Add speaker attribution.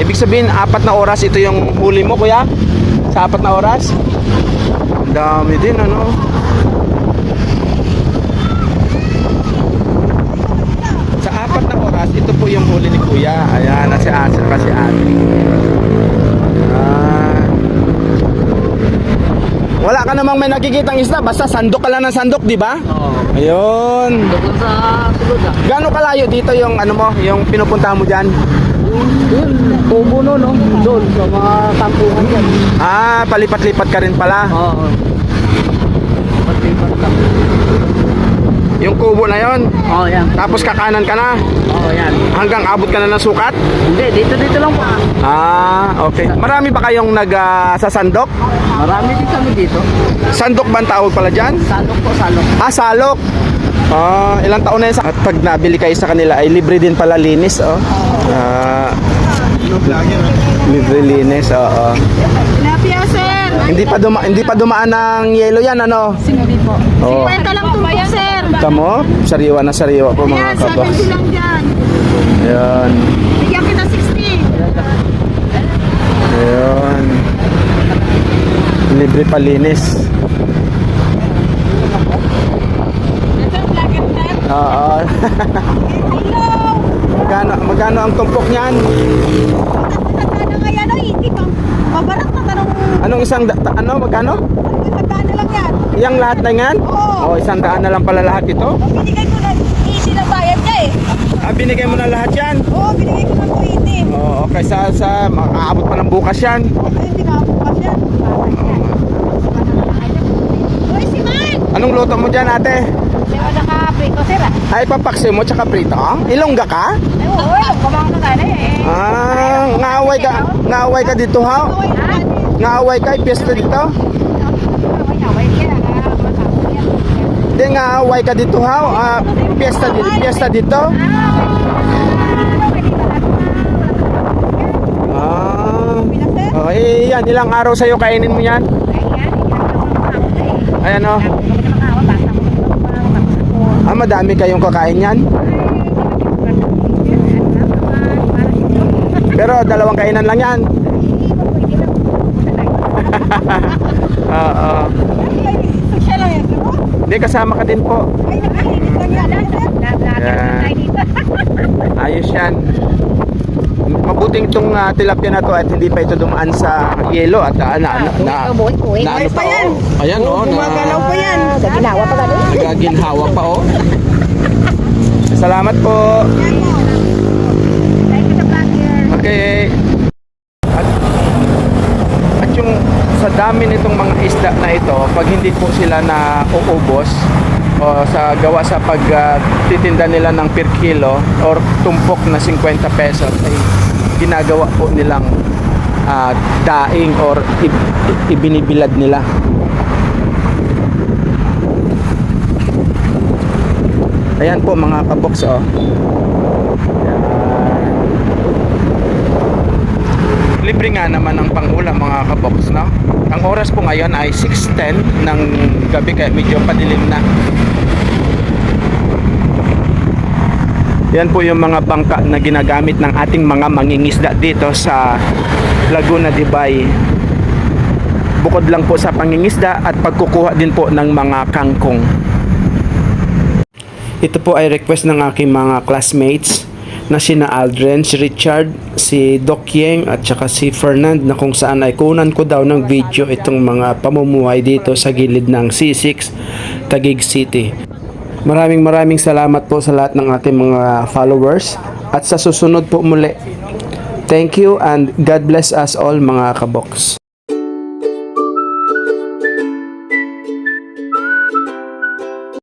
Speaker 1: Ibig sabihin, 4 na oras ito yung huli mo, kuya? Sa 4 na oras? Ang dami din, ano? Sa 4 na oras, ito po yung huli ni kuya. Ayan, nasi Asa kasi ate. Wala ka namang may nakikitang isda, basta sandok ka lang ng sandok, di ba?
Speaker 2: Oo.
Speaker 1: Ayun.
Speaker 2: Doon sa sulod ah.
Speaker 1: Gaano kalayo dito yung ano mo, yung pinupunta mo diyan?
Speaker 2: Yun, kubo no, no? Doon sa mga tampungan yan.
Speaker 1: Ah, palipat-lipat ka rin pala.
Speaker 2: Oo. Pag-lipat lang.
Speaker 1: Yung kubo na yon.
Speaker 2: Oo, yan.
Speaker 1: Tapos kakanan ka na.
Speaker 2: Oo, yan.
Speaker 1: Hanggang abot ka na ng sukat?
Speaker 2: Hindi, dito lang po.
Speaker 1: Ah, okay. Marami ba kayong sasandok?
Speaker 2: Marami din kami dito.
Speaker 1: Sandok ba ang tawag pala dyan?
Speaker 2: Salok po, salok.
Speaker 1: Ah, salok. Ah, ilang taon na yun? At pag nabili kayo sa kanila ay libre din pala linis, oh. Ah, libre linis, oo.
Speaker 3: Tilapia, sir.
Speaker 1: Hindi pa dumaan ng yelo yan, ano?
Speaker 3: Sinudi po.
Speaker 1: Oo.
Speaker 3: 50 lang tumpok, sir.
Speaker 1: Tamo, sariwa na sariwa po mga
Speaker 3: Ayan,
Speaker 1: kabox.
Speaker 3: 70 lang dyan.
Speaker 1: Ayan.
Speaker 3: Bigyan kita 60.
Speaker 1: Ayan. Libre palinis.
Speaker 3: Ito, vlogger, sir.
Speaker 1: Oo.
Speaker 3: Hello.
Speaker 1: Magkano ang tumpok niyan?
Speaker 3: Magkano nga yan, oh, hindi pa. Mabarat na tanong.
Speaker 1: Anong magkano?
Speaker 3: Magkano lang yan?
Speaker 1: Yang lahat na yan?
Speaker 3: Oo.
Speaker 1: Oh, 100 na lang pala lahat ito.
Speaker 3: Binigay ko na, easy na bayad niya eh.
Speaker 1: Ah, binigay mo na lahat yan?
Speaker 3: Oo, binigay ko na 280.
Speaker 1: Oo, okay, makaabot pa ng bukas yan.
Speaker 3: Ay, hindi na ako pa siya. Uy, si Man!
Speaker 1: Anong luto mo dyan, ate?
Speaker 3: Diba naka-prito, sir ah?
Speaker 1: Ay, papaksi mo tsaka prito? Ilongga ka?
Speaker 3: Ay, oo, kumang na tayo eh.
Speaker 1: Ah, ngaaway ka dito, ha? Ngaaway ka, piyesta dito? Hindi, ngaaway ka dito, ha? Ah, piyesta dito? Ah, oh, yan, ilang araw sa'yo kainin mo yan? Ayan, oh. Ah, madami kayong kakain yan? Pero 2 kainan lang yan. Oo.
Speaker 3: Siya lang yan, sir.
Speaker 1: Hindi, kasama ka din po.
Speaker 3: Ay, nakalinis lang yan, sir.
Speaker 1: Yan. Ayos yan. Mabuting itong tilapia na to at hindi pa ito dumaan sa yelo at
Speaker 3: Buhay pa yan.
Speaker 1: Ayan, oh.
Speaker 3: Gumagalaw pa yan. Sa ginawa pa gano'n.
Speaker 1: Nagaginhawa pa, oh. Salamat po.
Speaker 3: Thank you, vlogger.
Speaker 1: Okay. At yung sa dami nitong mga isda na ito, pag hindi po sila na uubos o sa pagtitinda nila ng per kilo or tumpok na 50 pesos ay ginagawa po nilang daing or ibinibilad nila. Ayan po mga kabox, oh. Libre nga naman ang pangulam mga kabox, no? Ang oras po ngayon ay 6:10 ng gabi kaya medyo padilim na. Yan po yung mga bangka na ginagamit ng ating mga mangingisda dito sa Laguna de Bay. Bukod lang po sa pangingisda at pagkukuha din po ng mga kangkong. Ito po ay request ng aking mga classmates na sina Aldrin, si Richard, si Doc Yeng at saka si Fernand, na kung saan ay kunan ko daw ng video itong mga pamumuhay dito sa gilid ng C6 Taguig City. Maraming salamat po sa lahat ng ating mga followers at sa susunod po muli. Thank you and God bless us all mga kabox.